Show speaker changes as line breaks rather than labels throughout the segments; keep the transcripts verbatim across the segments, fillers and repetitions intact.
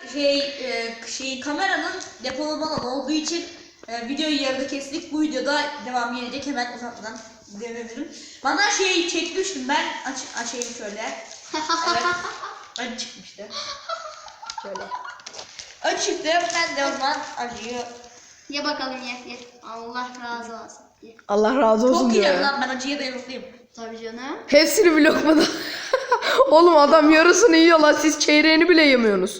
şey e, şey kameranın depolama alanı olduğu için e, videoyu yarıda kestik. Bu videoda devam gelecek, hemen uzatmadan denebilirim. Bana şey çekmiştim ben, aç açayım şöyle. Evet. Acı çıkmıştı. Şöyle. Acı çıktı. Ben de o zaman acıyı.
Ye bakalım ye ye. Allah razı olsun. Ye.
Allah razı olsun
Çok
diyor
iyi
ya.
lan, ben acıya dayanıklıyım.
Tabii canım.
Hepsini bir lokmada. Oğlum adam yarısını yiyor lan, siz çeyreğini bile yemiyorsunuz.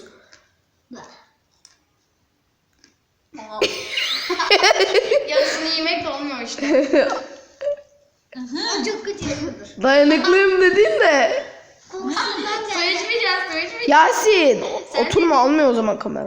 Yarısını yemek de olmuyor işte. O çok kötü.
Dayanıklıyım dedin de.
Su içmeyeceğiz, su içmeyeceğiz.
Yasin
Sen
oturma, almıyor o zaman kamera.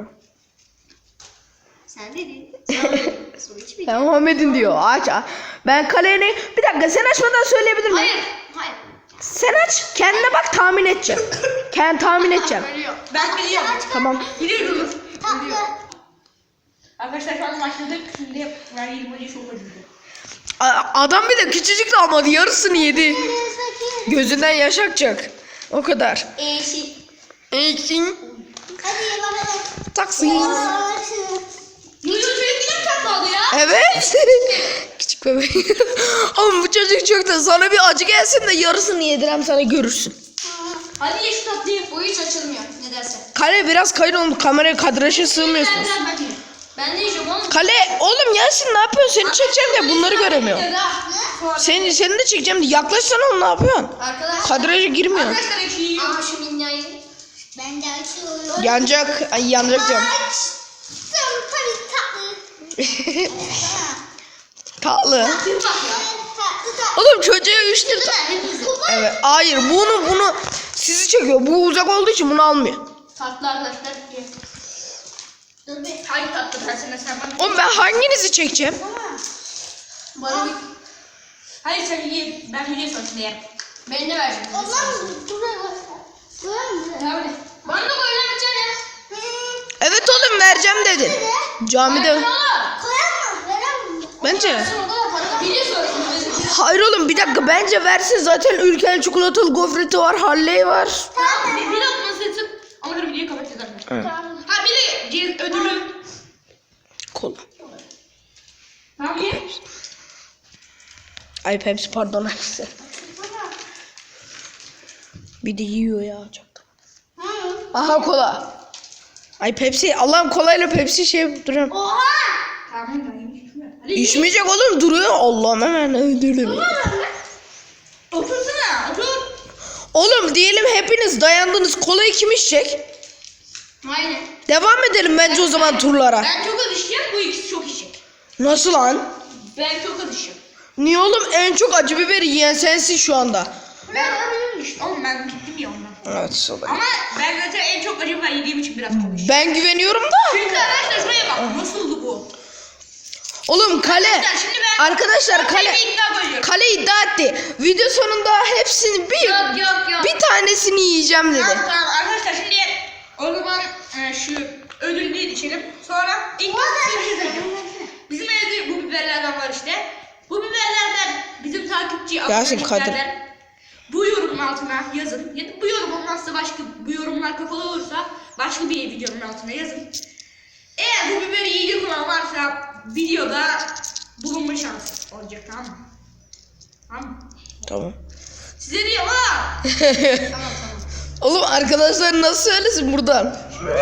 Sen dedin. Sen dedin. Su içmeyeceğiz.
Ya Muhammed'in diyor, aç aç. Ben kaleni bir dakika, sen açmadan söyleyebilir miyim?
Hayır, hayır.
Sen aç, kendine bak, tahmin edeceğim. Kendim tahmin edeceğim.
Ölüyor.
Ben biliyorum.
Tamam.
Biliyorum. Biliyorum. Arkadaşlar şu an başladık. Şimdi ben yirmi acı çok acıdı.
A- Adam bir de küçücük de almadı, yarısını yedi. Gözünden yaş akacak. O kadar.
Eşi.
Ekin.
Hadi ye bakalım.
Taksim.
Yuyu çocuk yine tatlı aldı ya.
Evet. Küçük bebek. Oğlum bu çocuk çok da, sana bir acı gelsin de yarısını yedirem sana, görürsün.
Hadi ye şu tatlıyı.
Bu hiç açılmıyor. Ne dersen.
Kale biraz kayın oğlum, kameraya kadraja sığmıyorsunuz.
Ben ben ben de yiyeceğim oğlum.
Kale oğlum Yasin ne yapıyorsun? Seni çekeceğim de bunları göremiyorum.
Ne?
Seni, seni de çekeceğim de yaklaşsana oğlum, ne yapıyorsun?
Arkadaşlar.
Kadraja girmiyor.
Arkadaşlar ekşi yiyor.
Aa şu minyayı. Ben de açıyorum.
Yanacak. Ay yanacak diyorum.
Tabii tatlı.
Tatlı.
Bir bak ya.
Tatlı tatlı.
Oğlum çocuğa üç lira. Evet. Hayır bunu bunu sizi çekiyor. Bu uzak olduğu için bunu almıyor.
Tatlı arkadaşlar. Ye.
Dur bir.
Hangi tatlı dersene sen bana.
Oğlum ben hanginizi çekeceğim?
Bana bir. Hayır sen ye. Ben video sonrasında yerim.
Ben de vereceğim.
Allah'ım buraya bak. Koyar mısın?
Ne öyle?
Bana da koy lan bir tane.
Evet oğlum vereceğim dedin. Camide.
Oğlum.
Koyar mı? Verem mi?
Bence.
Sen o kadar para ver.
Video sonrasında.
Hayır oğlum bir dakika, bence versin, zaten ülkenin çikolatalı gofreti var, Halley var.
Tamam. Bir, bir lokma seçip ama sonra videoyu kapatacağız arkadaşlar.
Evet.
Ha bir de ce- ödülü.
Kola.
Tamam ye.
Ay Pepsi, pardon hepsi. Bir de yiyor ya çok. Aha kola. Ay Pepsi, Allah'ım kolayla Pepsi şey duruyor.
Oha!
Tamam ben yemiş. Hadi ye.
İçmeyecek oğlum, duruyor. Allah'ım hemen öldürürüm.
Otursana. Otur.
Oğlum diyelim hepiniz dayandınız, kolayı kim içecek?
Aynen.
Devam edelim bence o zaman turlara.
Ben çok alışacağım. Bu ikisi çok içecek.
Nasıl lan?
Ben çok alışacağım.
Niye oğlum, en çok acı biberi yiyen sensin şu anda.
Ben işte oğlum ben gittim ya ondan.
Evet o da.
Ama ben zaten en çok acı biber yediğim için biraz konuşuyorum.
Ben güveniyorum da.
Çünkü arkadaşlar şuraya bak. Nasıldı bu?
Oğlum kale.
Arkadaşlar şimdi ben
Arkadaşlar kale.
bir iddia koyuyorum.
Kale iddia etti. Video sonunda hepsini bir
Yok yok yok.
bir tanesini yiyeceğim dedi.
Tamam tamam arkadaşlar şimdi o zaman e, şu ödülünü içelim. Sonra ilk bizim evde bu biberlerden var işte. Bu biberlerden bizim takipçi
Yasin
aboneliklerden bu yorumun altına yazın. Ya da bu yorum olmazsa başka, bu yorumlar kapalı olursa başka bir videonun altına yazın. Eğer bu biberi yiyecek olan varsa videoda bulunma şansı olacak, tamam mı? Tamam mı?
Tamam.
Size diyorum ha.
Tamam tamam.
Oğlum arkadaşlar nasıl söylesin buradan?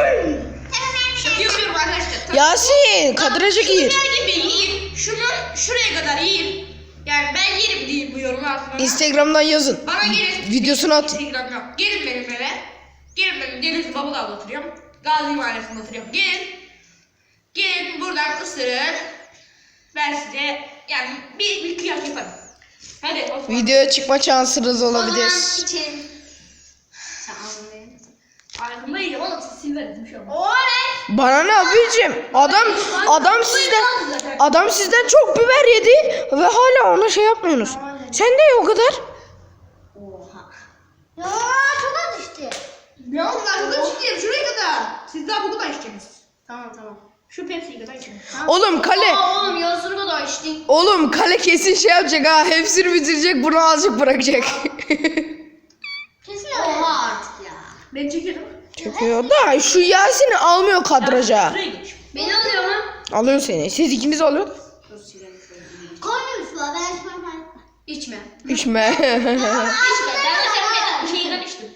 Şaka yapıyorum arkadaşlar. Tabii.
Yasin kadraja
Şu
gir.
biber gibi yiyin. Şunu şuraya kadar yiyin. Yani ben yerim değil bu yorumu altına.
Instagram'dan yazın.
Bana gelin.
Videosunu atın.
Instagram yok. Gelin benim eve. Gelin benim Denizli Babadağ'da oturuyorum. Gazi Mahallesi'nde oturuyorum. Gelin. Gelin buradan ısırın. Ben size yani bir, bir kıyak yaparım. Hadi o zaman.
Videoya çıkma şansınız
O
olabilir.
zaman içelim. Sen anlayın.
Arkamda yiyeceğim oğlum, siz silverin bir şey olmaz.
Oley.
Bana ne abicim? Adam adam sizden adam sizden çok biber yedi ve hala ona şey yapmıyorsunuz. Sen de ye o kadar.
Oha.
Ya çok az işte.
Ya oğlum ben çok içeceğim şuraya kadar. Siz daha bu kadar içeceksiniz.
Tamam tamam.
Şu Pepsi'yi kadar için.
Oğlum kale.
Aa, oğlum yarısını kadar içtin.
Oğlum kale kesin şey yapacak ha. Hepsini bitirecek, bunu azıcık bırakacak.
Kesin öyle.
Oha artık ya.
Ben çekerim.
Çekiyor da şu Yasin'i almıyor kadraja.
Şuraya geç.
Beni alıyor mu?
Alıyor seni. Siz ikiniz alıyor.
Dur silelim şöyle.
Koymuş var. Ben içmem ben.
İçme.
İçme.
İçme. Ben de senin şeyden içtim.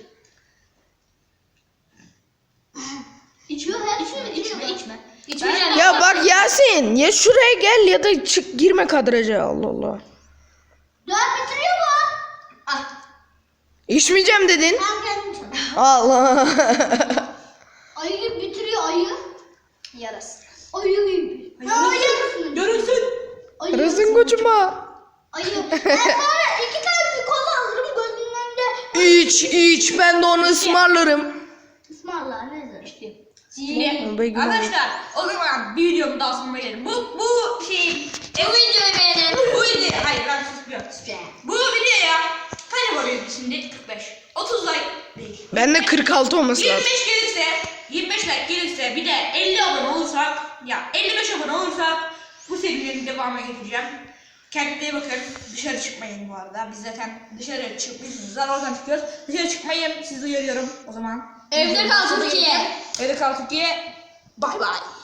İçme, içme, içme, içme.
İçmeyeceğim.
Ya bak Yasin ya şuraya gel ya da çık girme kadraja. Allah Allah.
Dört bitiriyor mu?
Ah.
İçmeyeceğim dedin.
Ben kendim içmem.
Allah.
Ayı bitiriyor ayı.
Yarası.
Ayı gibi. Ha ayı mısın?
Görünsün.
Ayı
Kırılsın
mısın?
koçuma.
Ayı. Ben sonra iki tane kola alırım gözünün önünde.
İç iç ben de onu ısmarlarım.
İsmail'la ne zor.
Şimdi
Belki
arkadaşlar o zaman bir videomun daha sonuna gelelim. Bu bu şey
Bu videoyu beğenin.
bu video hayır ben susmuyorum. Bu videoya kaç abone geldi şimdi? kırk beş. otuz like değil.
Ben de kırk altı olması
yirmi
lazım.
beş gelirse yirmi beş like gelirse bir de elli abone olursak ya elli beş abone olursak bu serilerin devamına getireceğim. Kendinize iyi bakın. Dışarı çıkmayın bu arada. Biz zaten dışarı çıkmışsınız. Oradan çıkıyoruz. Dışarı çıkmayın. Sizi uyarıyorum o zaman.
Evde kal Türkiye.
Evde kal Türkiye. Bay bay.